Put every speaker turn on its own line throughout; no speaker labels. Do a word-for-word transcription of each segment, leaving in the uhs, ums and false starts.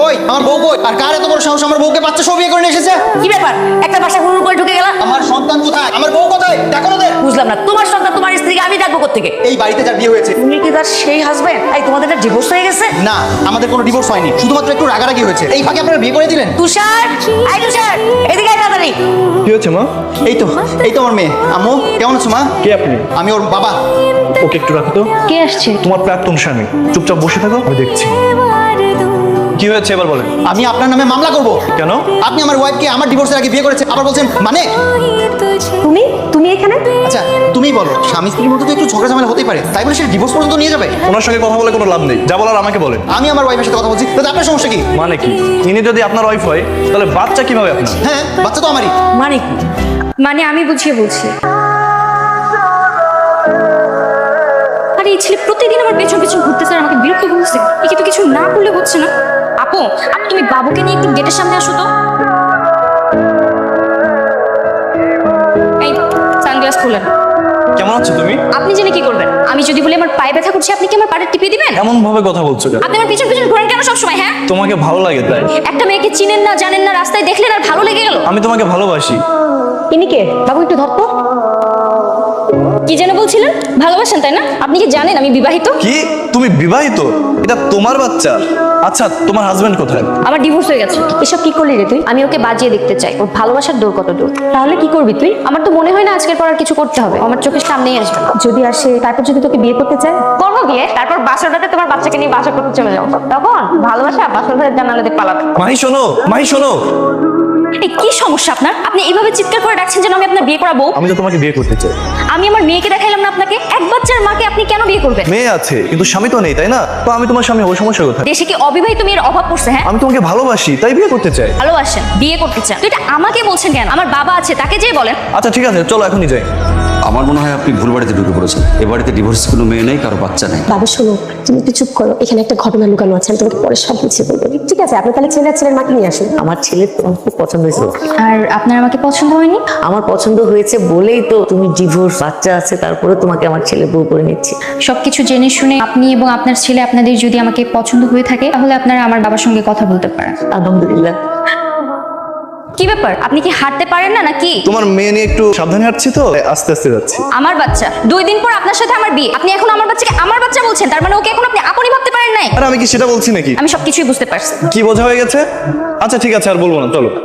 কই আমার বউ কই? আর কার এত বড় সাহস আমার বউকে বাচ্চা সহ বিয়ে করে নিয়ে এসেছে?
কি ব্যাপার একটা বাসা হুড় করে ঢুকে গেলা?
আমার সন্তান কোথায়? আমার বউ কোথায়? দেখো না।
বুঝলাম না, তোমার সন্তান তোমার স্ত্রীকে আমি ডাকবো কোত্থেকে?
এই বাড়িতে যার বিয়ে হয়েছে।
তুমি কি তার সেই হাজবেন্ড? এই তোমাদের একটা ডিভোর্স হয়ে গেছে?
না, আমাদের কোনো ডিভোর্স হয়নি, শুধুমাত্র একটু রাগারাগি হয়েছে। এই ফাঁকে আপনারা বিয়ে করে দিলেন।
তুষার, আই তুষার, এদিকে আয় তাড়াতাড়ি।
কি হচ্ছে মা?
এই তো এই তো আমার মেয়ে। আম্মু কেমন আছো মা?
কে আপনি?
আমি ওর বাবা।
ওকে একটু রাখো তো।
কে আসছে?
তোমার প্রাক্তন স্বামী। চুপচাপ বসে থাকো, আমি দেখছি। কি হয়েছে এবার বলেন।
আমি আপনার নামে মামলা করব।
কেন?
আপনি আমার ওয়াইফকে আমার ডিভোর্সের আগে বিয়ে করেছে, আবার বলছেন মানে?
তুমি তুমি এখানে?
আচ্ছা তুমিই বলো, স্বামী স্ত্রীর মধ্যে তো একটু ঝগড়া ঝামেলা হতেই পারে, তাই বলে সে ডিভোর্স পর্যন্ত নিয়ে যাবে?
ওনার সঙ্গে কথা বলে কোনো লাভ নেই, যা বলার আমাকে বলেন।
আমি আমার ওয়াইফের সাথে কথা বলছি, তাতে আপনার সমস্যা কি?
মানে কি? ইনি যদি আপনার ওয়াইফ হয় তাহলে বাচ্চা কিভাবে আপনার?
হ্যাঁ, বাচ্চা তো আমারই।
মানে কি?
মানে আমি বুঝিয়ে বলছি। আরে এই ছেলে প্রতিদিন আমার পেছন পেছন ঘুরতেছে আর আমাকে বিরক্ত করছে। একে তো কিছু না করলে হচ্ছে না। আপু, আপু তুমি বাবুকে নিয়ে একটু গেটের সামনে আসো তো। এই সানগ্লাস খুলেন।
কেমন আছো তুমি?
আপনি জেনে কি করবেন? আমি যদি বলি আমার পায়ে ব্যথা করছে, আপনি কি আমার পাড়ে টিপে দিবেন?
এমন ভাবে কথা বলছো কেন?
আপনি আমার পিছন পিছন ঘোরেন কেন সবসময়? হ্যাঁ,
তোমাকে ভালো লাগে তাই?
একটা মেয়েকে চিনেন না, জানেন না, রাস্তায় দেখলেন আর ভালো লেগে গেল।
আমি তোমাকে ভালোবাসি।
ইনি কে? বাবু একটু ধরতো। কি যেন বলছিলেন? ভালোবাসেন তাই না? আপনি কি জানেন আমি বিবাহিত?
কি? তুমি বিবাহিত? এটা তোমার বাচ্চা? আচ্ছা, তোমার হাজবেন্ড কোথায়?
আমার ডিভোর্স হয়ে গেছে। এসব কি করলি রে তুই? আমি ওকে বাজিয়ে দেখতে চাই ওর ভালোবাসার দূর কত দূর। তাহলে কি করবি তুই? আমার তো মনে হয় না আজকের পর আর কিছু করতে হবে। আমার চোখের সামনেই আসবে। যদি আসে, তারপর যদি তোকে বিয়ে করতে চায়, করবো বিয়ে। তারপর বাসরটাতে তোমার বাচ্চাকে নিয়ে বাসা করতে চলে যাও। তখন ভালোবাসা বাসর ঘরের জানালাতে পালাবে।
মাহি শোনো, মাহি শোনো।
এই কি সমস্যা আপনার? আপনি এইভাবে চিৎকার করে ডাকছেন যেন আমি আপনার বিয়ে করাবো।
আমি তো তোমাকে বিয়ে করতে চাই।
আমি আমার মেয়েকে দেখাইলাম না আপনাকে? এক বাচ্চার মাকে আপনি কেন বিয়ে করবেন?
মেয়ে আছে কিন্তু স্বামী তো নেই, তাই না? তো আমি তোমার স্বামী, ওই সমস্যা কোথায়?
দেশে কি অবিবাহিত মেয়ের অভাব পড়ছে? হ্যাঁ,
আমি তোমাকে ভালোবাসি তাই বিয়ে করতে চাই।
ভালোবাসেন, বিয়ে করতে চান, তো এটা আমাকে বলছেন কেন? আমার বাবা আছে, তাকে যেয়ে বলেন।
আচ্ছা ঠিক আছে, চলো এখনই যাই।
আমার মনে হয় আপনি ভুল বাড়িতে ঢুকে পড়েছেন। এ বাড়িতে ডিভোর্স কোনো মেয়ে নেই, কারো বাচ্চা নেই।
বাবা শোনো, তুমি একটু চুপ করো। এখানে একটা ঘটনা লুকানো আছে, আমি তোমাকে পরে সব বুঝিয়ে বলবো। ঠিক আছে, আপনি তাহলে ছেলে আর ছেলের মাকে নিয়ে আসুন।
আমার ছেলের তোমার খুব পছন্দ হয়েছে।
আর আপনার আমাকে পছন্দ হয়নি?
আমার পছন্দ হয়েছে বলেই তো তুমি ডিভোর্স, বাচ্চা আছে, তারপরে তোমাকে আমার ছেলে বউ করে নিচ্ছি।
সবকিছু জেনে শুনে আপনি এবং আপনার ছেলে, আপনাদের যদি আমাকে পছন্দ হয়ে থাকে, তাহলে আপনারা আমার বাবার সঙ্গে কথা বলতে পারেন।
আলহামদুলিল্লাহ।
কি ব্যাপার? আপনি কি হাঁটতে পারেন না নাকি?
তোমার মেয়ে নিয়ে একটু সাবধানে হাঁটছি তো, আস্তে আস্তে যাচ্ছি।
আমার বাচ্চা, দুই দিন পর আপনার সাথে আমার বিয়ে, আপনি এখন আমার বাচ্চাকে আমার বাচ্চা বলছেন? তার মানে ওকে এখন আপনি আপনি ভাবতে পারেন নাই?
আর আমি কি সেটা বলছি নাকি?
আমি সবকিছুই বুঝতে পারছি।
কি বোঝা হয়ে গেছে? আচ্ছা ঠিক আছে, আর বলবো না, চলো।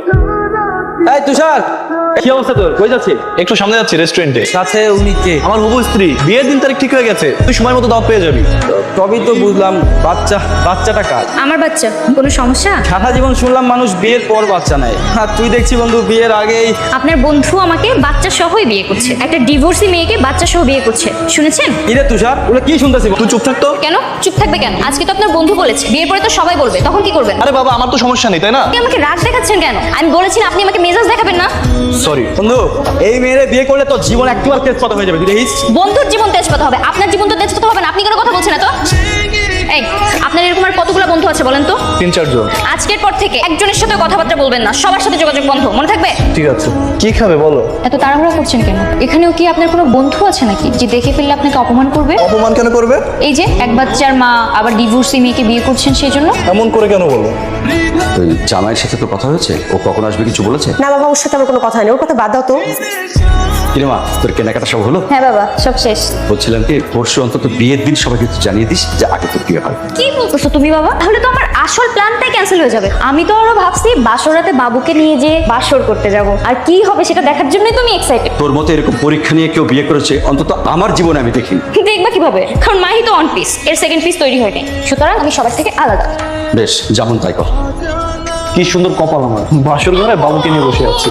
এই তুষার, কি অবস্থা তোর? কই যাচ্ছিস?
একটু সামনে যাচ্ছি রেস্টুরেন্টে।
কাছে উনি কে?
আমার হবু স্ত্রী, বিয়ের দিন তারিখ ঠিক হয়ে গেছে, তুই সময় মতো দাওয়াত পেয়ে যাবি।
তবেই তো বুঝলাম বাচ্চা, বাচ্চাটা কার?
আমার বাচ্চা, কোনো সমস্যা?
সারা জীবন শুনলাম মানুষ বিয়ের পর বাচ্চা নেয়, আর তুই দেখছি বন্ধু বিয়ের আগেই।
আপনার বন্ধু আমাকে বাচ্চা সহই বিয়ে করছে, একটা ডিভোর্সি মেয়েকে বাচ্চা সহ বিয়ে করছে, শুনেছেন?
কিরে তুষার, ওগুলো কি শুনতেছি?
তুই চুপ থাকতো।
কেন চুপ থাকবে কেন? আজকে তো আপনার বন্ধু বলেছে, বিয়ের পরে তো সবাই বলবে, তখন কি করবেন?
আরে বাবা, আমার তো সমস্যা নেই, তাই না?
আপনি আমাকে রাগ দেখাচ্ছেন কেন? আমি বলেছি না আপনি আমাকে মেজাজ দেখাবেন না।
সরি
বন্ধু, এই মেয়েরে বিয়ে করলে তো জীবন একেবারে তেজপাতা হয়ে যাবে, তুই দেখিস।
বন্ধুর জীবন তেজপাতা হবে, আপনার জীবন তো তেজপাতা হবে না। আপনি কোনো কথা বলছেন না তো? এই, আপনার এরকম আর কতগুলো বন্ধু আছে বলেন তো?
তিন চারজন।
আজকের পর থেকে একজনের সাথে কথাবার্তা বলবেন না, সবার সাথে যোগাযোগ বন্ধ, মনে থাকবে?
ঠিক আছে, কি খাবে বলো?
এত তাড়াহুড়া করছেন কেন? এখানেও কি আপনার কোনো বন্ধু আছে নাকি যে দেখে ফেললে আপনাকে অপমান করবে?
অপমান কেন করবে?
এই যে এক বাচ্চার মা, আবার ডিভোর্সি মেয়েকে বিয়ে করছেন, সেই জন্য?
এমন করে কেন বলো?
ওই জামাইয়ের সাথে তো কথা হয়েছে, ও কখন আসবে কিছু বলেছে?
না বাবা, ওর সাথে আমার কোনো কথা নেই, ওর কথা বাদ দাও তো।
কিরে মা, তোর কেনাকাটা সব হলো?
হ্যাঁ বাবা, সব শেষ।
বলছিলাম কি, পরশু অন্তত বিয়ের দিন সবাইকে একটু জানিয়ে দিস যে আগে তোর বিয়ে হয়।
কি বলতেছো তুমি বাবা? তাহলে তো আমার আসল প্ল্যানটাই ক্যান্সেল হয়ে যাবে। আমি তো আরো ভাবছি বাসরাতে বাবুকে নিয়ে যে বাসর করতে যাব, আর কি হবে সেটা দেখার জন্যই তুমি এক্সাইটেড।
তোর মতো এরকম পরীক্ষা নিয়ে কেউ বিয়ে করেছে অন্তত আমার জীবনে আমি দেখিনি।
দেখবা কিভাবে? কারণ মাহি তো ওয়ান পিস, এর সেকেন্ড পিস তৈরি হয়নি, সুতরাং আমি সবার থেকে আলাদা।
বেশ, যেমন তাই কর।
কি সুন্দর কপাল আমার, বাসর ঘরে বাবুকে নিয়ে বসে আছি।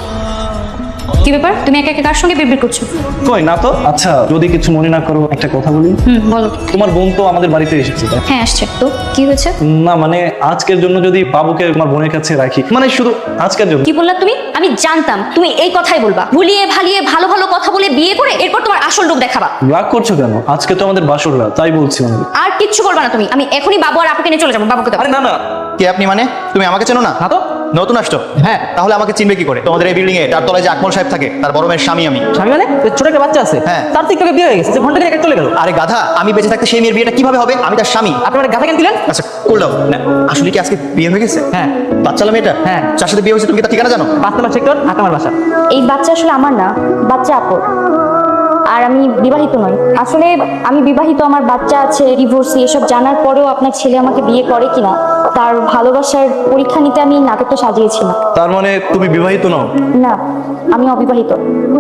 কি ব্যাপার? তুমি একা একা কার সঙ্গে বিড়বিড় করছো?
কই না তো। আচ্ছা, যদি কিছু মনে না করো একটা কথা বলি।
হুম, বলো।
তোমার বোন তো আমাদের বাড়িতে এসেছে।
হ্যাঁ আসছে তো, কি হয়েছে?
না মানে আজকের জন্য যদি বাবুকে তোমার বোনের কাছে রাখি, মানে শুধু আজকের জন্য।
কি বললা তুমি? আমি জানতাম তুমি এই কথাই বলবা, ভুলিয়ে ভালিয়ে ভালো ভালো কথা বলে বিয়ে করে এরপর তোমার আসল রূপ দেখাবা।
রাগ করছো কেন? আজকে তো আমাদের বাসর রাত, তাই বলছিলাম।
আর কিচ্ছু বলবা না তুমি, আমি এখনই বাবু আর আপুকে নিয়ে চলে যাবো। বাবুকে দাও।
আরে না না।
কে আপনি? মানে তুমি আমাকে চেনো না?
না তো,
নতুন আসছো?
হ্যাঁ।
তাহলে আমাকে চিনবে কি করে? তোমাদের এই বিল্ডিং এ তার তলায় যে আকমল সাহেব থাকে তার বড় মেয়ের স্বামী আমি।
স্বামী মানে ওই ছোট একটা বাচ্চা আছে
হ্যাঁ।
তার তো একটু আগে বিয়ে হয়ে গেছে, যে ঘন্টা থেকে চলে গেল।
আরে গাধা, আমি বেঁচে থাকতে সেই মেয়ের বিয়েটা কিভাবে হবে? আমি তার স্বামী।
আপনার গাথা কেন দিলেন?
আচ্ছা করলাম না, আসলে কি আজকে বিয়ে হয়ে গেছে?
হ্যাঁ।
বাচ্চালা মেয়েটা?
হ্যাঁ।
যার সাথে বিয়ে হয়েছে তুমি কি তার ঠিকানা জানো?
পাঁচ নম্বর সেক্টর, আট নম্বর বাসা।
এই বাচ্চা আসলে আমার না, বাচ্চা আপর। আর আমি বিবাহিত নই। আসলে আমি বিবাহিত, আমার বাচ্চা আছে, ডিভোর্সি, এসব জানার পরেও আপনার ছেলে আমাকে বিয়ে করে কিনা তার ভালোবাসার পরীক্ষা নিতে আমি নাটকটা সাজিয়েছিলাম।
তার মানে তুমি বিবাহিত নও?
না, আমি অবিবাহিত।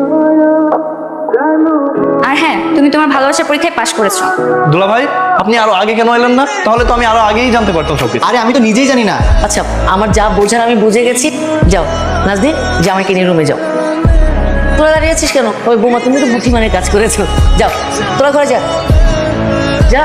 আর হ্যাঁ, তুমি তোমার ভালোবাসার পরীক্ষায় পাশ করেছো।
দুলা ভাই, আপনি আরো আগে কেন এলেন না? তাহলে তো আমি আরো আগেই জানতে পারতাম সবকিছু।
আরে আমি তো নিজেই জানি না।
আচ্ছা, আমার যা বোঝার আমি বুঝে গেছি। যাও নাজদিন, জামাইকে নিয়ে রুমে যাও। তোরা দাঁড়িয়ে আছিস কেন? ওই বোমা, তুমি তো বুদ্ধিমানের কাজ করেছো। যাও তোরা ঘরে যা যা।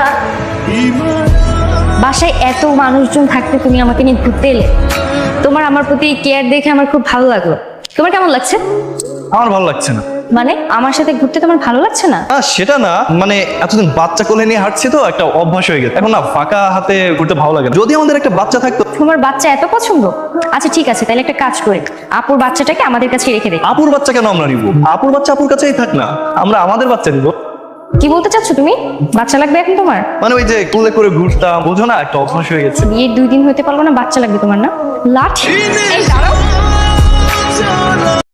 বাসায় এত মানুষজন থাকতে তুমি আমাকে নিয়ে ঘুরতে এলে, তোমার আমার প্রতি কেয়ার দেখে আমার খুব ভালো লাগলো। তোমার কেমন লাগছে?
আমার ভালো লাগছে না।
মানে আমার সাথে ঘুরতে তোমার ভালো লাগছে না?
না সেটা না, মানে এতদিন বাচ্চা কোলে নিয়ে হাঁটছি তো একটা অভ্যাস হয়ে গেছে। এখন না ফাঁকা হাতে ঘুরতে ভালো লাগে না। যদি আমাদের একটা বাচ্চা থাকতো।
তোমার বাচ্চা এত পছন্দ? আচ্ছা ঠিক আছে, তাহলে একটা কাজ করে আপুর বাচ্চাটাকে আমাদের কাছে রেখে দে।
আপুর বাচ্চা কেন আমরা নিব? আপুর বাচ্চা আপুর কাছেই থাক না, আমরা আমাদের বাচ্চা নিব।
কি বলতে চাচ্ছ তুমি? বাচ্চা লাগবে এখন তোমার?
মানে ওই যে কুলে করে ঘুরতাম, বোঝো না, একটা অভ্যাস হয়ে গেছে।
বিয়ের দুই দিন হতে পারলো না, বাচ্চা লাগবে তোমার না? লাঠি? এই দাঁড়াও।